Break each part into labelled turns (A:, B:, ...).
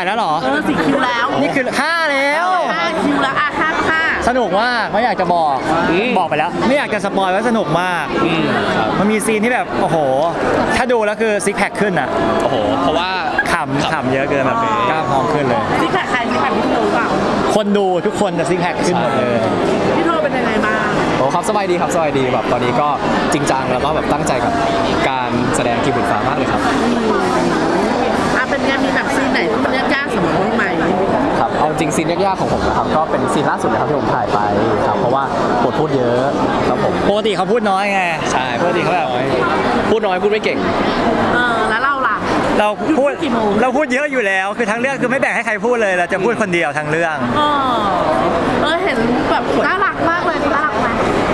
A: ายแล้วเหรอ
B: 4 คิวแล้ว
A: นี่คือ5แล้ว
B: 5 คิวแล้วอ่ะ5
A: สนุกมากไม่อยากจะบอกไปแล้วไม่อยากจะสปอยว่าสนุกมากมันมีซีนที่แบบโอ้โหถ้าดูแล้วคือซิกแพคขึ้นอ่ะ
C: โอ้โหเพราะว่า
A: ขำเยอะเกินแบบกล้ามพองขึ้นเลย
B: ซิกแพคใครซิกแพคพี่โทเปล่า
A: คนดูทุกคนจะซิกแพคขึ้นหมดเลย
B: พี่โทเป็นยังไงบ้าง
C: โอ้ครับสบายดีครับสบายดีแบบตอนนี้ก็จริงจังแล้วก็แบบตั้งใจกับการแสดงกีบุญฟ้ามากเลยครับ
B: เป็นไงมีแบบซีนไหนที่มันยากๆสำหรับน้องใหม่
C: ครับเอาจริงซีนยากๆของผมนะครับก็เป็นซีนล่าสุดเลยครับที่ผมถ่ายไปครับเพราะว่าบทพูดเยอะครับผม
A: ปกติเขาพูดน้อยไง
C: ใช่ปกติเขาแบบพูดน้อยพูดไม่เก่ง
B: แล้วเราล่ะ
A: เราพูดเยอะอยู่แล้วคือทั้งเรื่องคือไม่แบ่งให้ใครพูดเลยเราจะพูดคนเดียวทั้งเรื่อง
B: เห็นแบบน่ารักมากเลยน่ารักไหม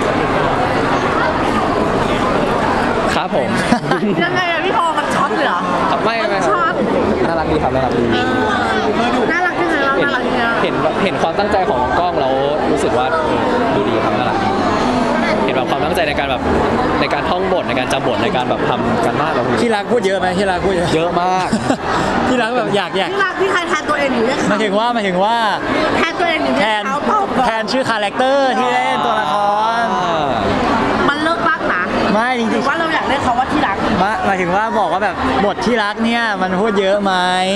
C: ครับผม
B: ยังไงพี่โทมันช็อตเลยเหรอ
C: ไม่ช็อตน่ารักดีครับน่ารักดี
B: น่ารักยังไงเราน่ารักยังไง
C: เห็นความตั้งใจของกล้องเรารู้สึกว่าดูดีครับน่ารักเห็นแบบความตั้งใจในการท่องบทในการจำบทในการแบบทำกันมากเรา
A: ที่รักพูดเยอะไหมที่รักพูด
C: เยอะมาก
A: ที่รักแบบอยาก
B: ที่รักที่ใครแทนตัวเองอยู่เนี่ย
A: หมายถึงว่า
B: แทนตัวเองอยู่เนี่ย
A: แทนชื่อคาแรคเตอร์ที่เล่นตัวละคร
B: มันเลิกรักนะ
A: ไม่จริงๆ
B: ว่าเราอยากเรียกเขาว่าที่รัก
A: หมายถึงว่าบอกว่าแบบบทที่รักเนี่ยมันพูดเยอะไหม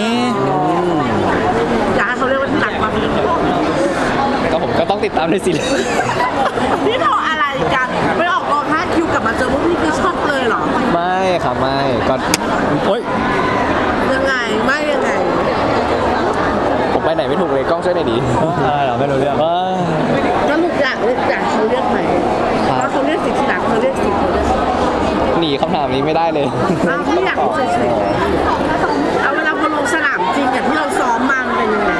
B: อยากให้เขาเรียกว่าที่รักมา
C: ก็ผมก็ต้องติดตามในซีรีส์
B: พี่โทอะไรกันไปออกกอง5 คิวกลับมาเจอพวกพี่คือชอบเลยเหรอ
C: ไม่ครับไม่ก็
A: โอ๊ย
B: ยังไง
C: ผมไปไหนไม่ถูกเลยกล้องช่วยหน่อยดิ
A: เราไม่รู้เรื่อง
B: ก็ลูกอยากเขาเรียกไหมแล้วเขาเรียกสิที่รักเขาเรียกสิเขาเรียก
C: หนีคำถามนี้ไม่ได้เลย
B: พี่อยากรู้เฉยๆเอาเวลาพอลงสนามจริงอย่างที่เราซ้อมมามันเป็นยังไง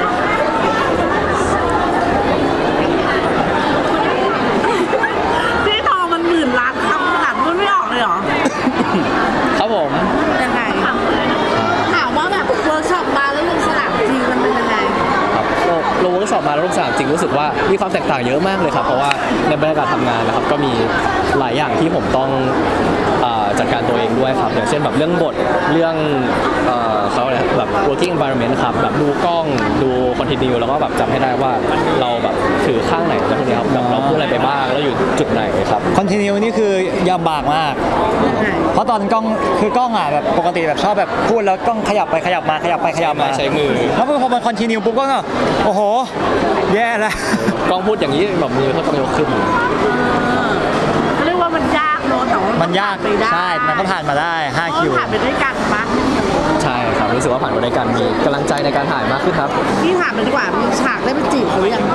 B: พี่ทองมัน10,000 ล้านคำขนาดพูดไม่ออกเลยเหรอ
C: ครับผม
B: ยังไงถามว่าแบบเวิร์กช็อปมาแล้วลงสนามจริงมันเป็นยังไง
C: ครับลงเวิร์กช็อปมาแล้วลงสนามจริงรู้สึกว่ามีความแตกต่างเยอะมากเลยครับเพราะว่าในบรรยากาศทำงานนะครับก็มีหลายอย่างที่ผมต้องจัดการตัวเองด้วยครับอย่างเช่นแบบเรื่องบทเรื่องเขาอะไรแบบ working environment ครับแบบดูกล้องดู continue แล้วก็แบบจำให้ได้ว่าเราแบบถือข้างไหนแล้วพวกนี้ครับแบบเราพูดอะไรไปบ้างแล้วอยู่จุดไหนครับ
A: continue นี่คือยำบากมากเพราะตอนกล้องแบบปกติแบบชอบแบบพูดแล้วกล้องขยับไปขยับมา
C: ใช้มือ
A: แล้วพอมัน continue ปุ๊บก็โอ้โหแย่แล้ว
C: กล้องพูดอย่างนี้แบบมือเขาต้องยกขึ้น
B: เรียกว่ามันยากเนอะแต่ว่า
A: มันยากใช่มันก็ผ่านมาได้5 คิว
B: ผ่านไปด้วยกันปะ
C: ใช่ครับรู้สึกว่าผ่านไปด้วยกันมีกำลังใจในการถ่ายมากขึ้นครับ
B: พี่ถามไปดีกว่ามีฉากได้ไปจีบเขาหรือยัง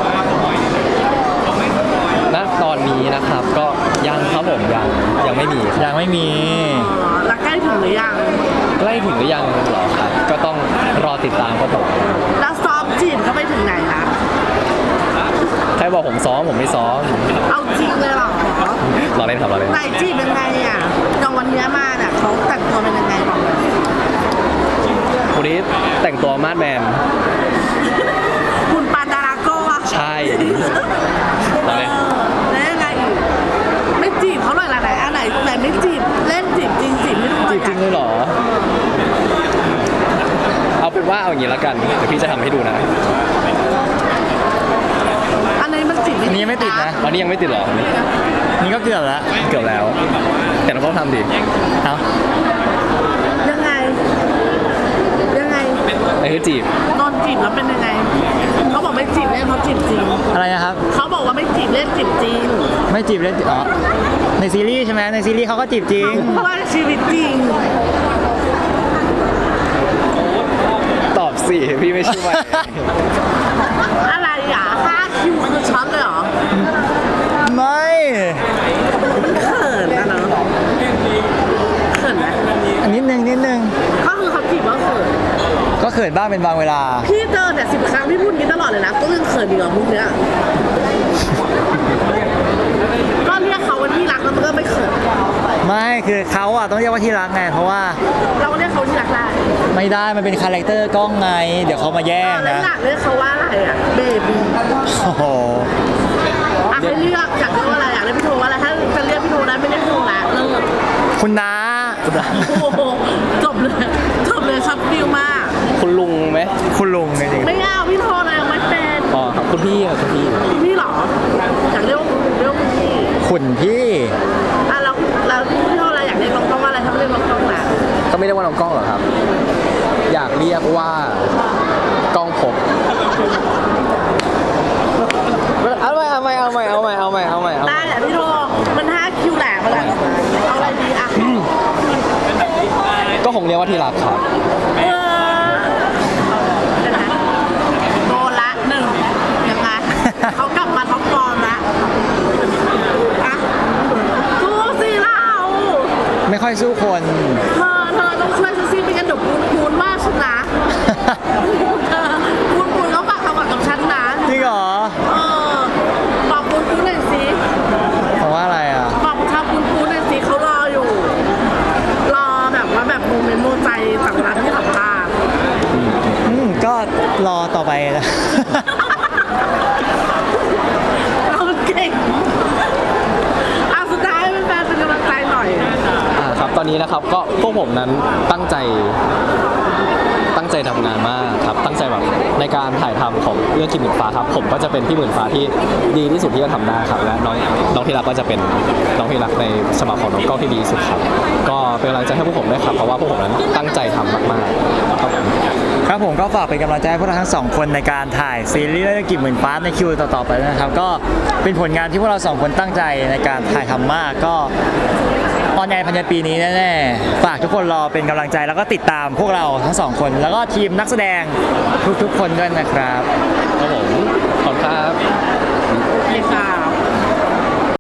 C: ณตอนนี้นะครับก็ยังครับผมยังไม่มี
B: แล้วใกล้ถึงหรือยัง
C: ใกล้ถึงหรือยังเหรอครับก็ต้องรอติดตามครับผม
B: แล้วซ้อมจีบเขาไปถึงไหนคะ
C: ใครบอกผมซ้อมผมไม่ซ้อม
B: เอาจริงเลยเหรอ
C: รอเล่นครับรอเล่น
B: ไหนจีบยังไงอ่ะอย่างวันนี้มาเนี่ยเขาแต่งตัวเป็นยังไงบอกเลย
C: วันนี้แต่งตัวมาดแมน
B: คุณปานดาราโก้อะ
C: ใช่
B: แล้วยังไงไม่จีบเขาเลยไหนอันไหนไม่จีบเล่นจีบจริงจีบไม่รู้
C: จีบจริงเลยเหรอเอาเป็นว่าเอาอย่างนี้แล้วกันเดี๋ยวพี่จะทำให้ดูนะ
B: อันนี้มันจีบ
A: อันนี้ไม่ติดนะ
C: อันนี้ยังไม่ติดหรอ
A: นี่ก็เกือบ
C: แล้วแต่เราต้องทำดิ
A: เอา
B: ยังไง
C: ไอ้คือจีบ
B: ตอนจีบแล้วเป็นยังไงเขาบอกไม่จีบเล่นเขาจีบจริง
A: อะไรนะครับ
B: เขาบอกว่าไม่จีบเล่นจีบจริง
A: ไม่จีบเล่นอ๋อในซีรีส์ใช่ไหมในซีรีส์เขาก็จีบจริง
B: เพราะว่าชีวิตจริง
C: ตอบสิพี่ไม่ช่วย
B: อะไรอ่ะ5 คิวคือช็อตเลยเหรอ
A: ไม่
B: เขินนะเนาะเขินไหม
A: นิดนึง
B: ก็คือเขาจีบว่าเขิน
A: ก็เขินบ้างเป็นบางเวลา
B: พี่เจอเนี่ย10 ครั้งพี่พูดงี้ตลอดเลยนะก็ยังเขินอยู่กับมุกเนี้ยก็เรียกเขาว่าที่รักแล้วมันก็ไม่เขิน
A: ไม่คือเขาอ่ะต้องเรียกว่าที่รักไงเพราะว่า
B: เราเรียกเขาที่รักได้
A: ไม่ได้มันเป็นคาแรคเตอร์กล้องไงเดี๋ยวเขามาแย่งนะ
B: เรียกเขาว่าอะไรอ่ะเบบี้
A: โอ้โห
B: ให้เลือกอยากเรียกว่าอะไรอยากเรียกพี่โทว่าอะไรถ้าจะเรียกพี่โทได้ไม่เรียกพี่โทละเลิก
A: คุณน้า
B: โอ้โหจบเลยจบเลยช็อตฟิลมาก
C: คุณลุงไหม
A: คุณลุงจริง
B: ไม่เอาพี่โทรเลยยังไม่เป็น
C: อ๋อครับคุณพี่อ่ะคุณพี่
B: พี่เหรออยากเรียกว่าพี่
A: ๆคุณพี่
B: อ่ะแล้วพี่โทรอะไรอยากเรียกน้องกล้องว่าอะไรถ้าไม่เรียกน้องกล้องล่ะ
C: ก็ไม่เรียกว่าน้องกล้องหรอกครับ อยากเรียกว่ากล้องภพเอาใหม่
B: ได้แหละพี่โทรมัน5 คิวแหลกมาแล้วเอาอะไรดีอ่ะ
C: ก็คงเรียกว่าที่รักครับ
B: เออเดี๋ยวนะโดนละ1ยังไงเขากลับมาท็อปฟอร์มละอ่ะสู้สิเรา
A: ไม่ค่อยสู้คน
B: เธอต้องช่วยฉันสิไม่งั้นเดี๋ยวปูนว่าฉันนะเธอปูนเขาฝากคำหวังกับฉันนะ
A: จริงเหรอ
B: เออบอกปูนหน่อยสิ
A: เพราะว่าอะไรอ่ะ
B: บอกชาวปูนหน่อยสิเขารออยู่ รอแบบว่าแบบโมเมนต์โมใจจากเวลาที่สัมภาษณ์
A: ก็รอต่อไปนะ
B: เราเก่งเอาสุดท้ายเป็นแฟนเป็นกำลังใจหน่อย
C: ครับตอนนี้นะครับก็พวกผมนั้นตั้งใจทำงานมากครับตั้งใจแบบในการถ่ายทำของเรื่องกิมหมื่นฟ้าครับผมก็จะเป็นพี่หมื่นฟ้าที่ดีที่สุดที่จะทำได้ครับและน้องที่รักก็จะเป็นน้องที่รักในฉบับของน้องก้องที่ดีที่สุดครับก็เป็นกำลังใจให้พวกผมด้วยครับเพราะว่าพวกผมนั้นตั้งใจทำมากๆครับผม
A: ครับผมก็ฝากเป็นกำลังใจให้พวกเราทั้งสองคนในการถ่ายซีรีส์เรื่องกิมหมื่นฟ้าในคิวต่อๆไปนะครับ ก็เป็นผลงานที่พวกเราสองคนตั้งใจในการถ่ายทำมากก็ออนแอร์ภายในปีนี้แน่ๆฝากทุกคนรอเป็นกำลังใจแล้วก็ติดตามพวกเราทั้งสองคน แล้วก็ทีมนักแสดงทุกๆคนด้วยนะครับ
C: ครับผมขอบคุณครับ